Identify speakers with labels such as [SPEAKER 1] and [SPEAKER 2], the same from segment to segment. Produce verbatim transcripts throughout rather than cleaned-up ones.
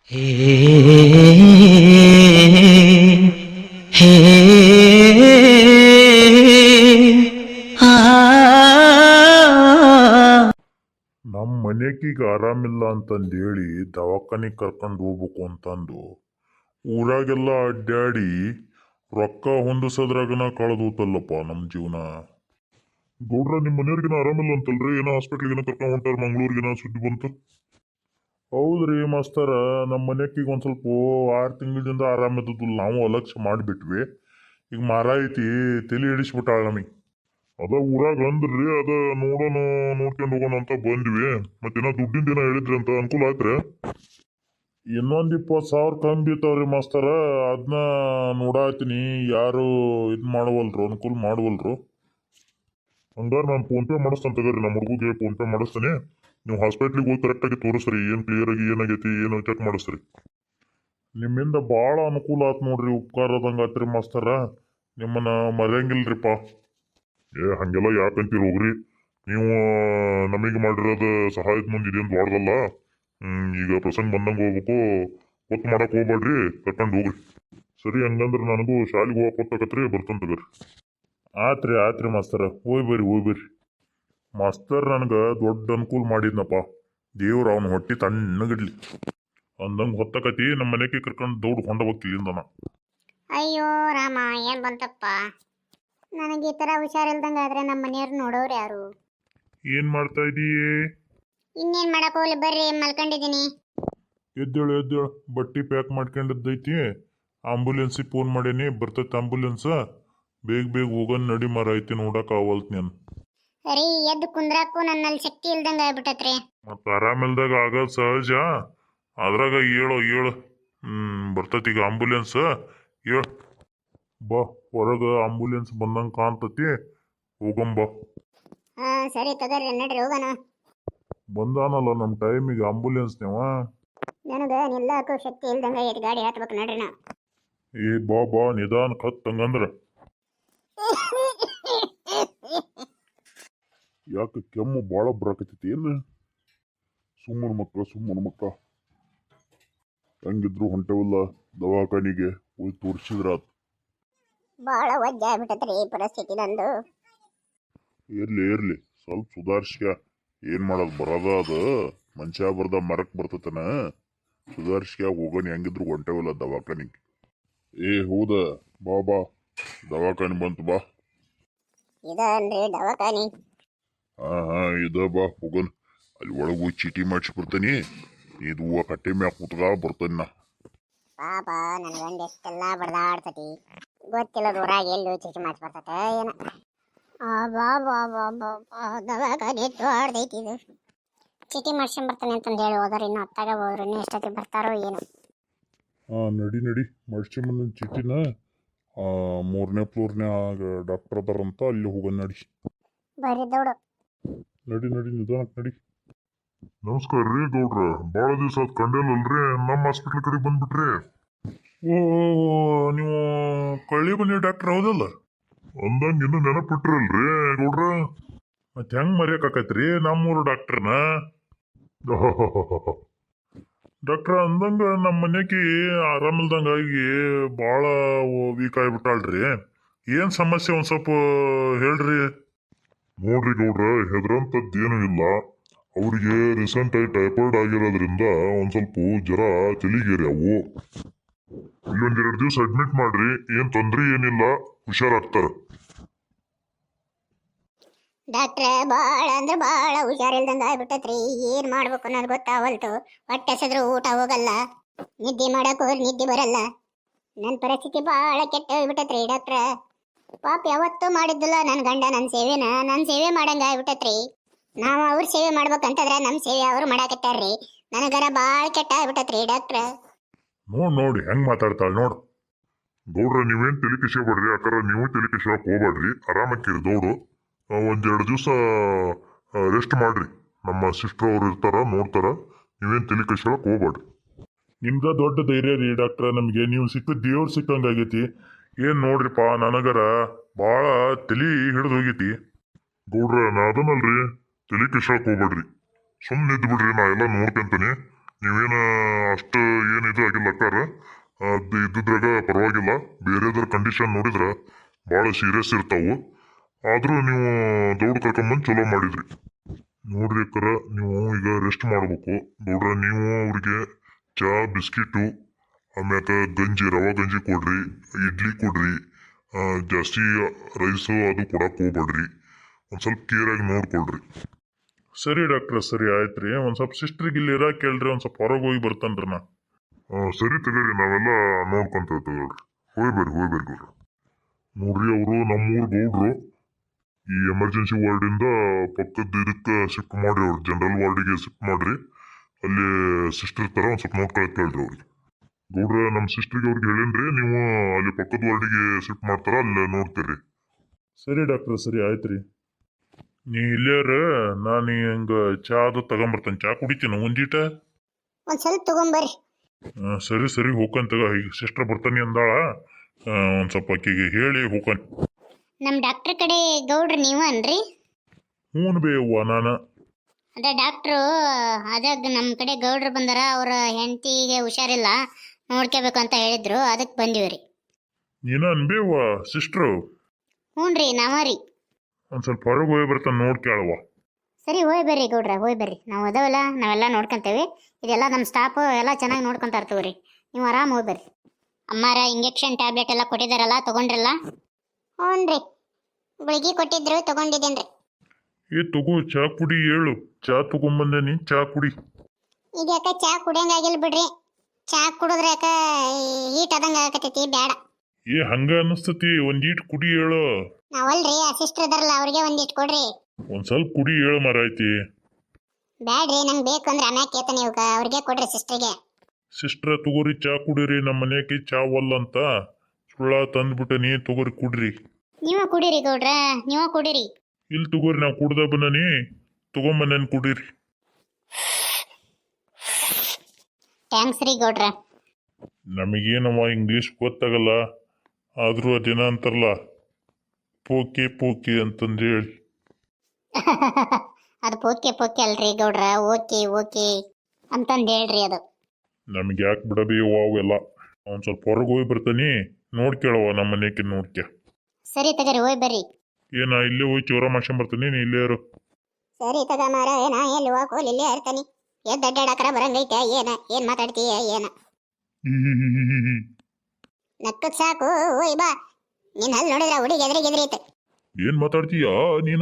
[SPEAKER 1] ಹೇ ಹೇ ಆ
[SPEAKER 2] ನಮ್ಮ ಮನೆಗೀಗ ಆರಾಮಿಲ್ಲ ಅಂತಂದು ಹೇಳಿ ದವಾಖಾನಿಗೆ ಕರ್ಕೊಂಡು ಹೋಗ್ಬೇಕು ಅಂತಂದು ಊರಾಗೆಲ್ಲ ಅಡ್ಡಾಡಿ ರೊಕ್ಕ ಹೊಂದಿಸೋದ್ರಾಗನ ಕಳೆದೋತಲ್ಲಪ್ಪ ನಮ್ಮ ಜೀವನ. ಗೌಡ್ರ ನಿಮ್ಮ ಮನೆಯವ್ರಿಗಿನ ಆರಾಮಿಲ್ಲ ಅಂತಲ್ರಿ, ಏನೋ ಹಾಸ್ಪಿಟ್ಲಿಗೆ ಕರ್ಕೊಂಡು ಹೊಂಟಾರ ಮಂಗ್ಳೂರ್ಗಿನ ಸುದ್ದಿ ಬಂತು. ಹೌದ್ರಿ ಮಾಸ್ತರ, ನಮ್ಮ ಮನೆಯಕ್ಕೀಗ ಒಂದು ಸ್ವಲ್ಪ ಆರು ತಿಂಗಳಿಂದ ಆರಾಮಿದ್ದಿಲ್ಲ, ನಾವು ಅಲಕ್ಷ್ಯ ಮಾಡಿಬಿಟ್ವಿ. ಈಗ ಮಾರಾಯಿತಿ ತಲೆ ಹಿಡಿಸ್ಬಿಟ್ಟಾಳ ನಮಗೆ. ಅದ ಊರಾಗ ಅಂದ್ರಿ, ಅದ ನೋಡೋಣ ನೋಡ್ಕೊಂಡು ಹೋಗೋಣ ಅಂತ ಬಂದ್ವಿ. ಮತ್ತೇನೋ ದುಡ್ಡಿನ ದಿನ ಹೇಳಿದ್ರಿ ಅಂತ ಅನುಕೂಲ ಆಯ್ತ್ರಿ? ಇನ್ನೊಂದು ಇಪ್ಪತ್ತು ಸಾವಿರ ಕಮ್ಮಿ ಬೀಳ್ತಾವ್ರಿ ಮಾಸ್ತರ, ಅದನ್ನ ನೋಡಾತೀನಿ. ಯಾರು ಇದು ಮಾಡವಲ್ರು, ಅನುಕೂಲ ಮಾಡವಲ್ರು. ಹಂಗಾರೆ ನಾನು ಫೋನ್ ಪೇ ಮಾಡಿಸ್ತೇನೆ ತಗೋರಿ, ನಮ್ಮ ಹುಡುಗಿಗೆ ಫೋನ್ ಪೇ ಮಾಡಿಸ್ತೀನಿ. ನೀವು ಹಾಸ್ಪಿಟ್ಲಿಗೆ ಹೋಗಿ ಕರೆಕ್ಟಾಗಿ ತೋರಿಸ್ರಿ, ಏನು ಕ್ಲಿಯರ್ ಆಗಿ ಏನಾಗೈತಿ ಏನು ಚೆಕ್ ಮಾಡಿಸ್ರಿ. ನಿಮ್ಮಿಂದ ಭಾಳ ಅನುಕೂಲ ಆಯ್ತು ನೋಡ್ರಿ, ಉಪಕಾರದಂಗೆ ಆತ್ರಿ ಮಾಸ್ತರ. ನಿಮ್ಮನ್ನ ಮರೆಯಂಗಿಲ್ರಿಪ್ಪ. ಏ ಹಂಗೆಲ್ಲ ಯಾಕಂತೀರಿ ಹೋಗ್ರಿ, ನೀವು ನಮಗೆ ಮಾಡಿರೋದು ಸಹಾಯದ ಮುಂದೆ ಇದೇನು ದೊಡ್ಡದಲ್ಲ. ಹ್ಮ್ ಈಗ ಪ್ರಸಂಗ ಬಂದಂಗೆ ಹೋಗ್ಬೇಕು, ಹೊತ್ತು ಮಾಡಕ್ ಹೋಗ್ಬೇಡ್ರಿ, ಕರ್ಕೊಂಡು ಹೋಗ್ರಿ. ಸರಿ, ಹಂಗಂದ್ರೆ ನನಗೂ ಶಾಲೆಗೆ ಹೋಗಕ್ಕೆ ಹೊತ್ತಾಗತ್ರಿ, ಬರ್ತಂತ ತಗೋರಿ. ಆತ್ರಿ ಆತ್ರಿ ಮಾಸ್ತರ, ಹೋಯ್ ಬರ್ರಿ ಹೋಯ್ ಬರ್ರಿ. ಮಾಸ್ತರ್ ನನಗೆ ದೊಡ್ಡ ಅನುಕೂಲ ಮಾಡಿದ್ನಪ್ಪ, ದೇವ್ರು ಅವನ ಹೊಟ್ಟಿ ತಣ್ಣಗಿಡ್ಲಿ ಅಂದಂಗೆ ಹೊತ್ತಕತಿ. ನಮ್ಮ ಮನೆಗೆ ಕರ್ಕೊಂಡು ದೌಡ್ ಹೊಂಡ ಹೋಗ್ತಿಲ್ಲಿಂದನ.
[SPEAKER 3] ಅಯ್ಯೋ ರಾಮ, ಏನ್ ಬಂತಪ್ಪ ನನಗೆ ಈ ತರ ಹುಷಾರಿಲ್ದಂಗ ಆದ್ರೆ ನಮ್ಮ ಮನೆಯವ್ರು ನೋಡೋರು ಯಾರು?
[SPEAKER 2] ಏನ್ ಮಾಡ್ತಾ ಇದೀಯೇ?
[SPEAKER 3] ಇನ್ನೇನ್ ಮಾಡಕ್ ಹೋಗ್ಲಿ, ಬರ್ರಿ ಮಲ್ಕೊಂಡಿದ್ದೀನಿ.
[SPEAKER 2] ಎದ್ದೇಳು ಎದ್ದೇಳು, ಬಟ್ಟಿ ಪ್ಯಾಕ್ ಮಾಡ್ಕೊಂಡಿದ್ದೈತಿ. ಆಂಬುಲೆನ್ಸಿಗೆ ಫೋನ್ ಮಾಡೇನಿ, ಬರ್ತೈತೆ ಆಂಬುಲೆನ್ಸ್. ಬೇಗ ಬೇಗ ಹೋಗೋನ್ ನಡಿ ಮರ ಐತಿ, ನೋಡಕ್ ಆವಲ್ತ್ ನಾನು.
[SPEAKER 3] ರೀ ಎದ್ದು ಕುಂದ್ರಾಕು ನನ್ನಲ್ಲಿ ಶಕ್ತಿ ಇಲ್ದಂಗ ಆಗ್ಬಿಟ್ಟತ್ರಿ.
[SPEAKER 2] ಮತ್ತ ಆರಾಮಿಲ್ದಾಗ ಆಗೋದು ಸಹಜ, ಅದ್ರಾಗ ಏಳು ಏಳು ಹ್ಮ್ ಬರ್ತೈತಿ ಈಗ ಆಂಬುಲೆನ್ಸ್. ಏಳು ಬಾ, ಹೊರಗ ಆಂಬುಲೆನ್ಸ್ ಬಂದಂಗೆ ಕಾಣ್ತತಿ, ಹೋಗಂಬಾ.
[SPEAKER 3] ಹಾ ಸರಿ ತಗೋರಿ, ನಡ್ರಿ ಹೋಗೋಣ.
[SPEAKER 2] ಬಂದಾನಲ್ಲ ನಮ್ಮ ಟೈಮಿಗೆ ಆಂಬುಲೆನ್ಸ್ ನೀವ.
[SPEAKER 3] ನನಗ ನಿಲ್ಲಕ್ಕೂ ಶಕ್ತಿ ಇಲ್ದಂಗ ಐತಿ, ಗಾಡಿ ಹತ್ಬೇಕು ನಡ್ರಿ ನಾ.
[SPEAKER 2] ಏ ಬಾ ಬಾ, ನಿಧಾನ ಕತ್ ಹಂಗಂದ್ರ. ಯಾಕೆ ಕೆಮ್ಮು ಭಾಳ ಬರಾಕತ್ತೈತಿ ಏನು? ಸುಮ್ಮನ ಮಕ್ಕಳ ಸುಮ್ಮನ ಮಕ್ಕಳ ಹೆಂಗಿದ್ರು ಹೊಂಟವಿಲ್ಲ ದವಾಖಾನಿಗೆ ಹೋಗಿ ತೋರಿಸಿದ್ರ.
[SPEAKER 3] ಬಾಳ ವಜ್ಜ ಆಗ್ಬಿಟ್ಟತ್ರಿ ಈ ಪರಿಸ್ಥಿತಿ ನಂದು.
[SPEAKER 2] ಇರ್ಲಿ ಇರ್ಲಿ, ಸ್ವಲ್ಪ ಸುಧಾರಿಸ್ಕ. ಏನ್ ಮಾಡೋದು, ಬರೋದ ಅದು ಮನುಷ್ಯ ಬರ್ದ ಮರಕ್ ಬರ್ತತನ. ಸುಧಾರಿಸ್ಕ ಹೋಗೋಣ, ಹೆಂಗಿದ್ರು ಹೊಂಟವಿಲ್ಲ ದವಾಖಾನಿಗೆ. ಏ ಹೌದ, ಬಾ ಬಾ, ದವಾಖಾನಿ ಬಂತು ಬಾ.
[SPEAKER 3] ಇದನ್ರಿ ದವಾಖಾನಿ?
[SPEAKER 2] ಹಾ ಹಾ ಇದ ಬಾ, ಹೋಗೋಣ. ಅಲ್ಲಿ ಒಳಗೆ ಹೋಗಿ ಚೀಟಿ ಮಾಡಿಸ್ಬಿಡ್ತೀನಿ. ಇದು ಹೂವು ಕಟ್ಟೆ ಮ್ಯಾಗ ಕೂತ್ಗ ಬರ್ತೇನೆ ನಾ.
[SPEAKER 3] ಪಾಪ ನನ್ನ ಗಂಡ ಎಷ್ಟೆಲ್ಲ ಬಡ್ದಾಡ್ತತಿ, ಗೊತ್ತಿಲ್ಲ ಊರಾಗ ಎಲ್ಲಿ ಚೀಟಿ ಮಾಡಿಸಿ ಬರ್ತತೆ ಏನ. ಬಾ ಬಾ ಬಾ ಬಾ ಬಾ, ದವಾಖಾನೆ ದೊಡ್ಡದೈತಿ ಇದು. ಚೀಟಿ ಮಾಡ್ಸ್ಕೊಂಡ್ ಬರ್ತಾನೆ ಅಂತಂದು ಹೇಳಿ ಹೋದ್ರೆ ಇನ್ನು ಹತ್ತಾಗ ಹೋದ್ರು ಇನ್ನು ಎಷ್ಟೊತ್ತಿಗೆ ಬರ್ತಾರೋ ಏನು.
[SPEAKER 2] ಹಾ ನಡಿ ನಡಿ, ಮಾಡಿಸ್ಕೊಂಬಂದ ಚೀಟಿನ. ಮೂರನೇ ಫ್ಲೋರ್ನ್ಯಾಗ ಡಾಕ್ಟರ್ ಅದಾರಂತ, ಅಲ್ಲಿ ಹೋಗೋಣ ನಡಿ.
[SPEAKER 3] ಬರೀ ದೌಡು.
[SPEAKER 2] ನಡಿ ನಡಿ, ನಿಧಾನಕ್ಕೆ ನಡಿ. ನಮಸ್ಕಾರ ರೀ ಗೌಡ್ರ, ಭಾಳ ದಿವಸ ಆತ್ ಕಂಡೇನಲ್ರಿ, ನಮ್ಮ ಹಾಸ್ಪಿಟ್ಲ್ ಕಡೆ ಬಂದ್ಬಿಟ್ರಿ. ಓ ನೀವು ಕಳ್ಳಿ ಬನ್ನಿ ಡಾಕ್ಟರ್ ಹೌದಲ್ಲ? ಅಂದಂಗ ಇನ್ನು ನೆನಪಿಟ್ರಲ್ರಿ ಗೌಡ್ರ. ಮತ್ತೆ ಹೆಂಗ್ ಮರೆಯಕ್ಕಾಕೈತ್ರಿ ನಮ್ಮೂರು ಡಾಕ್ಟರ್ನ? ಡಾಕ್ಟ್ರ ಅಂದಂಗ ನಮ್ಮ ಮನೆಗೆ ಆರಾಮಿಲ್ದಂಗಾಗಿ ಭಾಳ ವೀಕ್ ಆಗಿಬಿಟ್ಟಾಳ್ರಿ. ಏನ್ ಸಮಸ್ಯೆ ಒಂದ್ ಸ್ವಲ್ಪ ಹೇಳ್ರಿ. ನೋಡ್ರಿ ಗೌಡ್ರ, ಹೆದರಂತದ್ದೇನು ಇಲ್ಲ. ಅವ್ರಿಗೆ ರೀಸೆಂಟ್ ಆಗಿ ಟೈಫಾಯ್ಡ್ ಆಗಿರೋದ್ರಿಂದ ಒಂದ್ ಸ್ವಲ್ಪ ಜ್ವರ ತಲಿಗೇರಿ ಅವು. ಇಲ್ಲೊಂದೆರಡು ದಿವಸ ಅಡ್ಮಿಟ್ ಮಾಡ್ರಿ, ಏನ್ ತೊಂದ್ರೆ ಏನಿಲ್ಲ, ಹುಷಾರಾಗ್ತಾರ.
[SPEAKER 3] ಡಾಕ್ಟ್ರೆ ಭಾಳ ಅಂದ್ರೆ ಭಾಳ ಹುಷಾರಿಲ್ದಂಗ ಆಗ್ಬಿಟ್ಟತ್ರಿ, ಏನ್ ಮಾಡ್ಬೇಕು ಅನ್ನೋದು ಗೊತ್ತಾವಲ್ತು. ಹೊಟ್ಟೆ ಹಸಿದ್ರು ಊಟ ಹೋಗಲ್ಲ, ನಿದ್ದೆ ಮಾಡಕ್ ಹೋದ್ರೆ ನಿದ್ದೆ ಬರಲ್ಲ. ನನ್ನ ಪರಿಸ್ಥಿತಿ ಭಾಳ ಕೆಟ್ಟ ಹೋಗ್ಬಿಟ್ಟತ್ರಿ ಡಾಕ್ಟ್ರ. ಪಾಪ ಯಾವತ್ತೂ ಮಾಡಿದ್ದಿಲ್ಲ ನನ್ನ ಗಂಡ ನನ್ನ ಸೇವೆನ ನನ್ನ ಸೇವೆ ಮಾಡಂಗ ಆಗ್ಬಿಟ್ಟತ್ರಿ. ನಾವು ಅವ್ರ ಸೇವೆ ಮಾಡ್ಬೇಕಂತಂದ್ರೆ ನಮ್ಮ ಸೇವೆ ಅವ್ರು ಮಾಡಾಕತ್ತಾರ್ರಿ. ನನಗರ ಭಾಳ ಕೆಟ್ಟ ಆಗ್ಬಿಟ್ಟತ್ರಿ ಡಾಕ್ಟ್ರ.
[SPEAKER 2] ನೋಡ್ ನೋಡಿ ಹೆಂಗ್ ಮಾತಾಡ್ತಾಳ ನೋಡು. ಗೌಡ್ರ ನೀವೇನ್ ತಲೆ ಕಿಸ್ಕೊಬೇಡ್ರಿ, ಯಾಕಂದ್ರೆ ನೀವು ತಲೆ ಕಿಸ್ಕೊಳಕ್ ಹೋಗ್ಬೇಡ್ರಿ, ಆರಾಮಕ್ಕಿರಿ ದೌಡು. ಒಂದೆರಡು ದಿವಸ ರೆಸ್ಟ್ ಮಾಡ್ರಿ, ನಮ್ಮ ಸಿಸ್ಟರ್ ಅವ್ರು ಇರ್ತಾರ ನೋಡ್ತಾರ. ನೀವೇನ್ ತಲೆ ಕಿಸ್ಕೊಳಕ್ ಹೋಗ್ಬೇಡ್ರಿ. ನಿಮ್ದ ದೊಡ್ಡ ಧೈರ್ಯ ರೀ ಡಾಕ್ಟ್ರ, ನಮ್ಗೆ ನೀವು ಸಿಕ್ಕ ದೇವ್ರು ಸಿಕ್ಕಂಗಾಗೈತಿ. ಏನ್ ನೋಡ್ರಿಪ್ಪ, ನನಗರ ಭಾಳ ತಲಿ ಹಿಡಿದು ಹೋಗೈತಿ. ಗೌಡ್ರ ನಾ ಅದನ್ನಲ್ರಿ, ತಲೆ ಕಿಸ್ಕೊಳಕ್ ಹೋಗ್ಬೇಡ್ರಿ, ಸುಮ್ಮನೆ ಇದ್ದು ಬಿಡ್ರಿ, ನಾ ಎಲ್ಲ ನೋಡ್ಕೊಂತೀನಿ. ನೀವೇನ ಅಷ್ಟು ಏನು ಹೇಳ್ಯಾರ. ಅದು ಇದ್ದಿದ್ರಾಗ ಪರವಾಗಿಲ್ಲ. ಬೇರೆದ್ರ ಕಂಡೀಷನ್ ನೋಡಿದ್ರೆ ಭಾಳ ಸೀರಿಯಸ್ ಇರ್ತಾವು. ಆದರೂ ನೀವು ದೌಡ್ ಕರ್ಕೊಂಬಂದು ಚಲೋ ಮಾಡಿದ್ರಿ. ನೋಡ್ರಿ ಅಕ್ಕರ, ನೀವು ಈಗ ರೆಸ್ಟ್ ಮಾಡ್ಬೇಕು. ಗೌಡ್ರ, ನೀವು ಅವ್ರಿಗೆ ಚಾ, ಬಿಸ್ಕಿಟು, ಆಮ್ಯಾಕ ಗಂಜಿ, ರವಾ ಗಂಜಿ ಕೊಡ್ರಿ, ಇಡ್ಲಿ ಕೊಡ್ರಿ. ಆ, ಜಾಸ್ತಿ ರೈಸು ಅದು ಕೊಡಕ್ಕೆ ಹೋಗ್ಬೇಡ್ರಿ. ಒಂದು ಸ್ವಲ್ಪ ಕೇರಾಗಿ ನೋಡ್ಕೊಳ್ರಿ. ಸರಿ ಡಾಕ್ಟ್ರ, ಸರಿ ಆಯ್ತು ರೀ. ಒಂದು ಸ್ವಲ್ಪ ಸಿಸ್ಟ್ರಿಗೆ ಇಲ್ಲಿ ಇರಾಕ್ ಕೇಳ್ರಿ. ಒಂದು ಸ್ವಲ್ಪ ಹೊರಗೆ ಹೋಗಿ ಬರ್ತಾನ್ರಿ ನಾ. ಸರಿ ತಗೋರಿ, ನಾವೆಲ್ಲ ನೋಡ್ಕೊಂತೇವೆ ತಗೊಳ್ರಿ. ಹೋಗಿ ಬರ್ರಿ ಹೋಗಿ ಬರ್ರಿ ಗೌಡ್ರ. ನೋಡ್ರಿ, ಅವರು ನಮ್ಮೂರು ಗೌಡ್ರು. ಈ ಎಮರ್ಜೆನ್ಸಿ ವಾರ್ಡಿಂದ ಪಕ್ಕದ ಇದಕ್ಕೆ ಶಿಫ್ಟ್ ಮಾಡಿ, ಅವ್ರು ಜನರಲ್ ವಾರ್ಡಿಗೆ ಶಿಫ್ಟ್ ಮಾಡ್ರಿ. ಅಲ್ಲಿ ಸಿಸ್ಟರ್ ತರ ಒಂದು ಸ್ವಲ್ಪ ನೋಡ್ಕೊಳಕ್ ಕೇಳ್ರಿ ಅವ್ರಿಗೆ. ಗೌಡ್ರ, ನಮ್ಮ ಸಿಸ್ಟ್ರಿಗೆ ಅವ್ರಿಗೆ ಹೇಳೇನ್ರಿ, ನೀವು ಅಲ್ಲಿ ಪಕ್ಕದ ವಾರ್ಡಿಗೆ ಶಿಫ್ಟ್ ಮಾಡ್ತಾರ, ಅಲ್ಲಿ ನೋಡ್ತೀರಿ. ಸರಿ ಡಾಕ್ಟ್ರ, ಸರಿ ಆಯ್ತು ರೀ. ನೀ ಇಲ್ಲೇರ, ನಾನು ಹಂಗ ಚಾ ಅದು ತಗೊಂಬರ್ತೇನೆ. ಚಾ ಕುಡಿತೀನಿ ಒಂದೀಟ.
[SPEAKER 3] ಒಂದ್ ಸ್ವಲ್ಪ ತಗೊಂಬರ್ರಿ.
[SPEAKER 2] ಆ, ಸರಿ ಸರಿ ಹೋಗಂತಗ. ಈಗ ಸಿಸ್ಟರ್ ಬರ್ತಾನೆ ಅಂದಾಳ. ಒಂದು ಸ್ವಲ್ಪ ಆಕಿಗೆ ಹೇಳಿ ಹೋಗನ್.
[SPEAKER 3] ನಮ್ ಡಾಕ್ಟರ್ ಕಡೆ ಗೌಡ್ರು ನೀವು ಅನ್ರಿ?
[SPEAKER 2] ಹ್ಞೂ ಬೇ ಅವ್ವ, ನಾನು
[SPEAKER 3] ಅದ ಡಾಕ್ಟ್ರು, ಅದಾಗ ನಮ್ಮ ಕಡೆ ಗೌಡ್ರು ಬಂದಾರ. ಅವ್ರ ಹೆಂಡತಿಗೆ ಹುಷಾರಿಲ್ಲ, ನೋಡ್ಕೋಬೇಕು ಅಂತ ಹೇಳಿದ್ರು. ಅದಕ್ಕೆ ಬಂದಿವ್ರಿ.
[SPEAKER 2] ನೀನ ಅನ್ಬೇವ್ವ ಸಿಸ್ಟ್ರು?
[SPEAKER 3] ಹ್ಞೂ ರೀ, ನಾವ ರೀ.
[SPEAKER 2] ಒಂದು ಸ್ವಲ್ಪ ಹೊರಗೆ ಹೋಗಿ ಬರ್ತಾನೆ, ನೋಡ್ಕೇಳವ್ವ.
[SPEAKER 3] ಸರಿ, ಹೋಯ್ ಬರ್ರಿ ಗೌಡ್ರ, ಹೋಯ್ ಬರ್ರಿ. ನಾವು ಅದಾವಲ್ಲ, ನಾವೆಲ್ಲ ನೋಡ್ಕೊಂತೇವೆ. ಇದೆಲ್ಲ ನಮ್ಮ ಸ್ಟಾಫ್ ಎಲ್ಲ ಚೆನ್ನಾಗಿ ನೋಡ್ಕೊಂತ ಇರ್ತೀವಿ. ನೀವು ಆರಾಮ್ ಹೋಗಿ ಬರ್ರಿ. ಅಮ್ಮಾರ ಇಂಜೆಕ್ಷನ್ ಟ್ಯಾಬ್ಲೆಟ್ ಎಲ್ಲ ಕೊಟ್ಟಿದ್ದಾರಲ್ಲ, ತಗೊಂಡ್ರಲ್ಲ? ಹ್ಞೂ ರೀ, ಗುಳಿಗೆ ಕೊಟ್ಟಿದ್ರು, ತಗೊಂಡಿದ್ದೇನ್ರಿ.
[SPEAKER 2] ಏ ತಗೋ, ಚಾ ಕುಡಿ. ಹೇಳು, ಚಾ ತಗೊಂಬಂದೇನಿ, ಚಾ ಕುಡಿ.
[SPEAKER 3] ಈಗ ಯಾಕ ಚಾ ಕುಡಿಯಂಗಾಗಿಲ್ಲ ಬಿಡ್ರಿ. ಚಾ ಕುಡಿದ್ರೆ ಯಾಕ ಹೀಟ್ ಆದಂಗ ಆಗತೈತಿ, ಬ್ಯಾಡ.
[SPEAKER 2] ಏ ಹಂಗ ಅನಿಸ್ತತಿ, ಒಂದೀಟ್ ಕುಡಿ ಹೇಳು.
[SPEAKER 3] ನಾವಲ್ರಿ, ಆ ಸಿಸ್ಟರ್ ಇದಾರಲ್ಲ, ಅವ್ರಿಗೆ ಒಂದಿಟ್ಟು ಕೊಡ್ರಿ.
[SPEAKER 2] ಒಂದ್ ಸ್ವಲ್ಪ ಕುಡಿ ಹೇಳು ಮಾರಾಯ್ತಿ.
[SPEAKER 3] ಬ್ಯಾಡ್ರಿ, ನಂಗೆ ಬೇಕು ಅಂದ್ರೆ ಅನ್ನ ಕೇತ ನೀವು, ಅವ್ರಿಗೆ ಕೊಡ್ರಿ ಸಿಸ್ಟರ್ಗೆ.
[SPEAKER 2] ಸಿಸ್ಟ್ರ ತಗೋರಿ, ಚಾ ಕುಡೀರಿ. ನಮ್ಮ ಮನೆಗೆ ಚಾ ಒಲ್ಲ ಅಂತ ಸುಳ್ಳ ತಂದ್ಬಿಟ್ಟೆ. ನೀ ತಗೋರಿ, ಕುಡ್ರಿ.
[SPEAKER 3] ನೀವ ಕುಡೀರಿ ಗೌಡ್ರ, ನೀವ ಕುಡೀರಿ.
[SPEAKER 2] ಇಲ್ಲಿ ತಗೋರಿ, ನಾವು ಕುಡ್ದ ಬಂದನಿ, ತಗೊಂಬಂದೇನಿ, ಕುಡೀರಿ.
[SPEAKER 3] ಥ್ಯಾಂಕ್ಸ್ ರೀ ಗೌಡ್ರ.
[SPEAKER 2] ನಮಗೇನವ ಇಂಗ್ಲೀಷ್ ಗೊತ್ತಾಗಲ್ಲ, ಆದರೂ ಅದೇನ ಅಂತಾರಲ್ಲ, ಪೋಕೆ ಪೋಕೆ ಅಂತಂದು ಹೇಳಿ.
[SPEAKER 3] ಅದು ಪೋಕೆ ಪೋಕೆ ಅಲ್ರಿ ಗೌಡ್ರ, ಓಕೆ ಓಕೆ ಅಂತಂದು ಹೇಳ್ರಿ. ಅದು
[SPEAKER 2] ನಮಗೆ ಯಾಕೆ ಬಿಡಬಿ ಅವೆಲ್ಲ. ಒಂದು ಸ್ವಲ್ಪ ಹೊರಗೆ ಹೋಗಿ ಬರ್ತಾನೆ, ನೋಡ್ಕೇಳವ ನಮ್ಮ ಮನೆಗೆ. ನೋಡ್ಕೆ
[SPEAKER 3] ಸರಿ ತಗರಿ, ಹೋಯ್ ಬರ್ರಿ.
[SPEAKER 2] ಏನ ಇಲ್ಲೇ ಹೋಗಿ ಚೌರ ಮಾಡ್ಕೊಂಡ್ ಬರ್ತಾನೆ, ನೀ ಇಲ್ಲೇ ಇರು.
[SPEAKER 3] ಸರಿ ತಗ ಮಾರ, ಏನ ಎಲ್ಲಿ ಹೋಗೋಲ್, ಇಲ್ಲೇ ಇರ್ತಾನೆ. ಎದ್ದು ಅಡ್ಡಾಡಕರ ಬರಂಗೈತೆ. ಏನ ಏನ್ ಮಾತಾಡ್ತೀಯ ಏನ? ನಕ್ಕದ್ ಸಾಕು, ಓಯ್ ಬಾ. ನೀನ್ ಅಲ್ಲಿ ನೋಡಿದ್ರ ಹುಡುಗಿ ಎದ್ರಿಗೆ ಎದ್ರೈತೆ.
[SPEAKER 2] ಏನ್ ಮಾತಾಡ್ತೀಯ ನೀನು?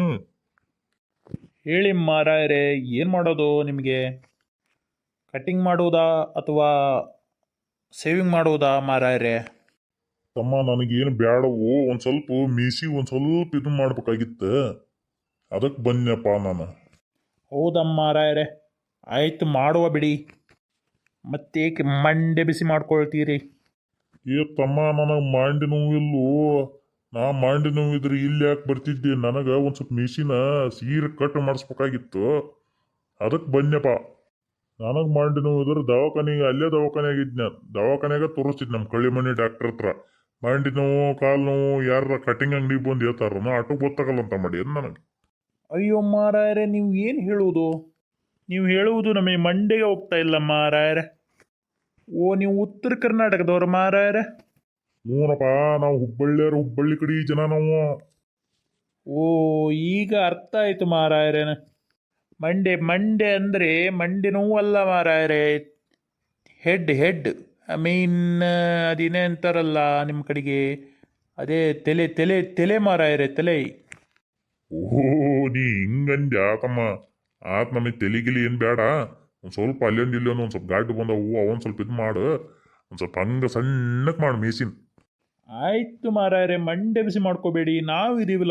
[SPEAKER 4] ಹೇಳಿ ಮಾರಾಯರೇ, ಏನು ಮಾಡೋದು ನಿಮಗೆ? ಕಟ್ಟಿಂಗ್ ಮಾಡುವುದಾ ಅಥವಾ ಸೇವಿಂಗ್ ಮಾಡುವುದಾ ಮಾರಾಯರೇ?
[SPEAKER 2] ತಮ್ಮ, ನನಗೇನು ಬ್ಯಾಡವು. ಒಂದು ಸ್ವಲ್ಪ ಮೀಸಿ ಒಂದು ಸ್ವಲ್ಪ ಇದು ಮಾಡ್ಬೇಕಾಗಿತ್ತು, ಅದಕ್ಕೆ ಬಂದ್ನಪ್ಪ ನಾನು.
[SPEAKER 4] ಹೌದಮ್ಮ ಮಾರಾಯರೇ, ಆಯ್ತು, ಮಾಡುವ ಬಿಡಿ. ಮತ್ತೇಕೆ ಮಂಡೆ ಬಿಸಿ ಮಾಡ್ಕೊಳ್ತೀರಿ?
[SPEAKER 2] ಏ ತಮ್ಮ, ನನಗೆ ಮಂಡಿ ನೋವಿಲ್ಲೋ. ನಾ ಮಂಡಿ ನೋವಿದ್ರೆ ಇಲ್ಲಿ ಯಾಕೆ ಬರ್ತಿದ್ದೆ? ನನಗೆ ಒಂದು ಸ್ವಲ್ಪ ಮೀಸಿನ ಸೀರೆ ಕಟ್ ಮಾಡಿಸ್ಬೇಕಾಗಿತ್ತು, ಅದಕ್ಕೆ ಬಂದ್ನಪ್ಪ. ನನಗೆ ಮಂಡಿ ನೋವಿದ್ರೆ ದವಾಖಾನೆಗೆ, ಅಲ್ಲೇ ದವಾಖಾನೆಯಾಗಿದ್ನ, ದವಾಖಾನೆಗೆ ತೋರಿಸ್ತಿದ್ ನಮ್ಮ ಕಳ್ಳಿಮನಿ ಡಾಕ್ಟರ್ ಹತ್ರ. ಮಂಡಿ ನೋವು, ಕಾಲು ನೋವು ಯಾರ ಕಟಿಂಗ್ ಅಂಗಡಿಗೆ ಬಂದು ಹೇಳ್ತಾರ, ನಾ ಆಟೋ ಗೊತ್ತಾಗಲ್ಲ ಅಂತ ಮಾಡಿ ಏನು ನನಗೆ.
[SPEAKER 4] ಅಯ್ಯೋ ಮಾರಾಯರೇ, ನೀವು ಏನು ಹೇಳುವುದು? ನೀವು ಹೇಳುವುದು ನಮಗೆ ಮಂಡೆಗೆ ಹೋಗ್ತಾ ಇಲ್ಲ ಮಾರಾಯರೇ. ಓ, ನೀವು ಉತ್ತರ ಕರ್ನಾಟಕದವ್ರು ಮಾರಾಯರೇ?
[SPEAKER 2] ಹ್ಞೂನಪ್ಪ, ನಾವು ಹುಬ್ಬಳ್ಳಿಯರು, ಹುಬ್ಬಳ್ಳಿ ಕಡೆ ಜನ ನಾವು.
[SPEAKER 4] ಓ, ಈಗ ಅರ್ಥ ಆಯಿತು ಮಾರಾಯರೇ. ಮಂಡೆ ಮಂಡೆ ಅಂದರೆ ಮಂಡೆ ನೋವಲ್ಲ ಮಾರಾಯರೇ, ಹೆಡ್ ಹೆಡ್ ಐ ಮೀನ್ ಅದೇನೇ ಅಂತಾರಲ್ಲ ನಿಮ್ಮ ಕಡೆಗೆ, ಅದೇ ತಲೆ ತಲೆ ತಲೆ ಮಾರಾಯರೇ, ತಲೆ.
[SPEAKER 2] ಓಹೋ, ನೀ ಹಿಂಗಂದ್ಯಾ ತಮ್ಮ? ಆತ್, ನಮಗೆ ತೆಲಿಗಿಲಿ ಏನು ಬೇಡ. ಒಂದು ಸ್ವಲ್ಪ ಅಲ್ಲೊಂದು ಇಲ್ಲೊಂದು ಒಂದು ಸ್ವಲ್ಪ ಗಾಡಿ ಬಂದವು, ಅವೊಂದು ಸ್ವಲ್ಪ ಇದು ಮಾಡು. ಒಂದು ಸ್ವಲ್ಪ ಹಂಗೆ ಸಣ್ಣಕ್ಕೆ ಮಾಡು ಮೀಸಿನ.
[SPEAKER 4] ಆಯಿತು ಮಾರಾಯರೇ, ಮಂಡೆ ಬಿಸಿ ಮಾಡ್ಕೋಬೇಡಿ, ನಾವು ಇದೀವಲ್ಲ.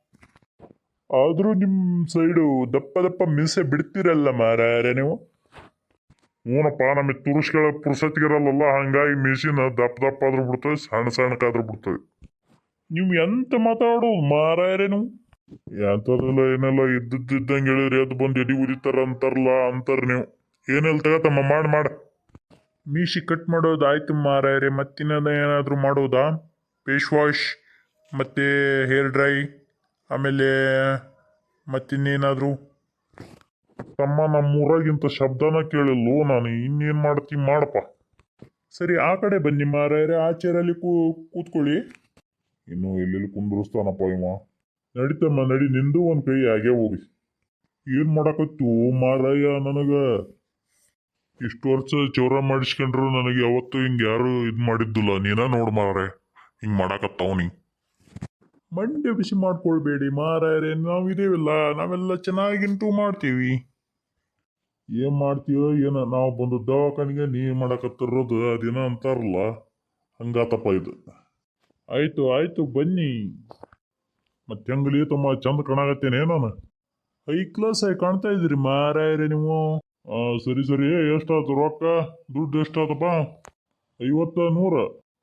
[SPEAKER 2] ಆದರೂ ನಿಮ್ಮ ಸೈಡು ದಪ್ಪ ದಪ್ಪ ಮೀಸೆ ಬಿಡ್ತೀರಲ್ಲ ಮಾರಾಯರೇ ನೀವು. ಹ್ಞೂನಪ್ಪ, ನಮಗೆ ತುರುಸ್ಗಳ ಪುರ್ಸತ್ತಿಗಿರಲ್ಲ, ಹಂಗಾಗಿ ಮೀಸಿನ ದಪ್ಪ ದಪ್ಪ ಆದ್ರೂ ಬಿಡ್ತವೆ, ಸಣ್ಣ ಸಣ್ಣಕ್ಕಾದ್ರೂ ಬಿಡ್ತವೆ. ನೀವು ಎಂತ ಮಾತಾಡೋದು ಮಾರಾಯರೇ ನೀವು? ಎಂಥದೆಲ್ಲ ಏನೆಲ್ಲ ಇದ್ದಿದ್ದಂಗೆ ಹೇಳಿದ್ರಿ, ಎದ್ದು ಬಂದು ಎಡಿ ಉದಿತಾರ ಅಂತಾರಲ್ಲ, ಅಂತಾರೆ ನೀವು. ಏನೆಲ್ಲ ತಗತ್ತಮ್ಮ, ಮಾಡಿ ಮಾಡಿ.
[SPEAKER 4] ಮೀಸಿ ಕಟ್ ಮಾಡೋದು ಆಯ್ತು ಮಾರಾಯರೇ, ಮತ್ತಿನ್ನದ ಏನಾದರೂ ಮಾಡೋದಾ? ಫೇಸ್ ವಾಶ್ ಮತ್ತು ಹೇರ್ ಡ್ರೈ, ಆಮೇಲೆ ಮತ್ತಿನ್ನೇನಾದರೂ?
[SPEAKER 2] ತಮ್ಮ, ನಮ್ಮೂರಾಗಿಂತ ಶಬ್ದನ ಕೇಳಿಲ್ಲೋ ನಾನು. ಇನ್ನೇನು ಮಾಡ್ತೀನಿ ಮಾಡಪ್ಪ. ಸರಿ ಆ ಕಡೆ ಬನ್ನಿ ಮಾರಾಯರೆ, ಆ ಚೇರಲ್ಲಿ ಕೂ ಕೂತ್ಕೊಳ್ಳಿ. ಇನ್ನು ಎಲ್ಲೆಲ್ಲಿ ಕುಂದ್ರಸ್ತಾನಪ್ಪ ಇವ. ನಡಿತಮ್ಮ ನಡಿ, ನಿಂದು ಒಂದು ಕೈ ಹಾಗೆ ಹೋಗಿ. ಏನು ಮಾಡಕತ್ತು ಮಾರಾಯ, ನನಗ ಇಷ್ಟು ವರ್ಷ ಚೌರ ಮಾಡಿಸ್ಕೊಂಡ್ರು ನನಗೆ ಯಾವತ್ತು ಹಿಂಗೆ ಯಾರು ಇದು ಮಾಡಿದ್ದಿಲ್ಲ. ನೀನ ನೋಡು ಮಾರಾಯ ಹಿಂಗೆ ಮಾಡಾಕತ್ತಾವ ನೀ. ಮಂಡ್ಯ ಬಿಸಿ ಮಾಡ್ಕೊಳ್ಬೇಡಿ ಮಾರಾಯರೆ, ನಾವಿದೇವಿಲ್ಲ, ನಾವೆಲ್ಲ ಚೆನ್ನಾಗಿಂತೂ ಮಾಡ್ತೀವಿ. ಏನ್ ಮಾಡ್ತೀವೋ ಏನ, ನಾವು ಬಂದು ದವಾಖಾನಿಗೆ ನೀ ಮಾಡಕತ್ತಿರೋದು ಅದೇನ ಅಂತಾರಲ್ಲ, ಹಂಗಾತಪ್ಪ ಇದು. ಆಯ್ತು ಆಯ್ತು ಬನ್ನಿ. ಮತ್ತೆ ಹೆಂಗಲಿ ತಮ್ಮ ಚಂದ ಕಾಣಾಕತ್ತೇನೆ ನಾನು. ಹೈ ಕ್ಲಾಸ್ ಆಗಿ ಕಾಣ್ತಾ ಇದ್ದೀರಿ ಮಾರಾಯರೆ ನೀವು. ಆ ಸರಿ ಸರಿ, ಎಷ್ಟಾಯ್ತು ರೊಕ್ಕ, ದುಡ್ಡು ಎಷ್ಟಾತಪ್ಪ? ಐವತ್ತ ನೂರ?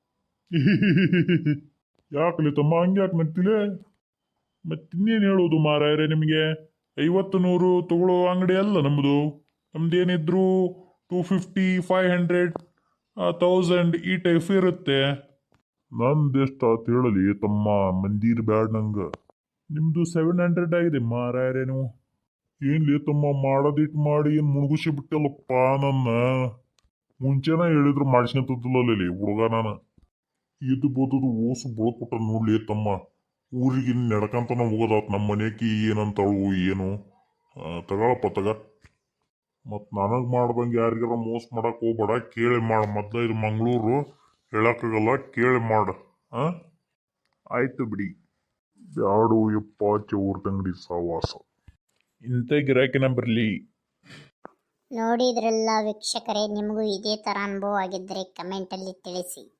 [SPEAKER 2] ಯಾಕಲಿ ತಮ್ಮ ಹಂಗೆ ಯಾಕೆ ನಗ್ತಿಲೆ? ಮತ್ತಿನ್ನೇನು ಹೇಳೋದು ಮಾರಾಯರೆ ನಿಮಗೆ? ಐವತ್ತು ನೂರು ತಗೊಳ್ಳೋ ಅಂಗಡಿ ಅಲ್ಲ ನಮ್ಮದು. ನಮ್ದೇನಿದ್ರು two fifty five hundred thousand ಈ ಟೈಪ್ ಇರುತ್ತೆ. ನಂದೆಷ್ಟಾತ್ ಹೇಳಲಿ ತಮ್ಮ, ಮಂದಿರ ಬ್ಯಾಡ್ ನಂಗೆ. ನಿಮ್ಮದು ಸೆವೆನ್ ಹಂಡ್ರೆಡ್ ಆಗಿದೆ ಮಾರಾಯರೆ ನೀವು. ಏನ್ಲಿ ತಮ್ಮ, ಮಾಡೋದಿಟ್ಟು ಮಾಡಿ ಏನು ಮುಳುಗಿಸಿ ಬಿಟ್ಟಲ್ಲಪ್ಪ ನನ್ನ. ಮುಂಚೆನ ಹೇಳಿದ್ರು ಮಾಡಿಸ್ಕೊಂತದ್ದಿಲ್ಲಲ್ಲಿ ಹುಡುಗ ನಾನು. ಇದು ಬೋದದು ಓಸು ಬುಳಕೊಟ್ಟ ನೋಡ್ಲಿ ತಮ್ಮ. ಊರಿಗೆ ನಡ್ಕಂತನ ಹೋಗೋದಾತ್ ನಮ್ಮ ಮನೆಯಕಿ ಏನಂತಳು ಏನು. ತಗೊಳಪ್ಪ ತಗ. ಮತ್ತು ನನಗೆ ಮಾಡ್ದಂಗೆ ಯಾರಿಗಾರ ಮೋಸ ಮಾಡಕ್ಕೆ ಹೋಗ್ಬೇಡ, ಕೇಳಿ ಮಾಡು. ಮೊದಲ ಇದು ಮಂಗಳೂರು, ಹೇಳಕ್ಕಾಗಲ್ಲ, ಕೇಳಿ ಮಾಡು. ಹಾಂ ಆಯ್ತು ಬಿಡಿ. ಬ್ಯಾಡು ಯಪ್ಪ ಚೌರ್ ತಂಗಡಿ ಸಹವಾಸ. ಇಂಥ ಗಿರಾಕಿನ ಬರಲಿ.
[SPEAKER 3] ನೋಡಿದ್ರಲ್ಲ ವೀಕ್ಷಕರೇ, ನಿಮಗೂ ಇದೇ ಥರ ಅನುಭವ ಆಗಿದ್ದರೆ ಕಮೆಂಟಲ್ಲಿ ತಿಳಿಸಿ.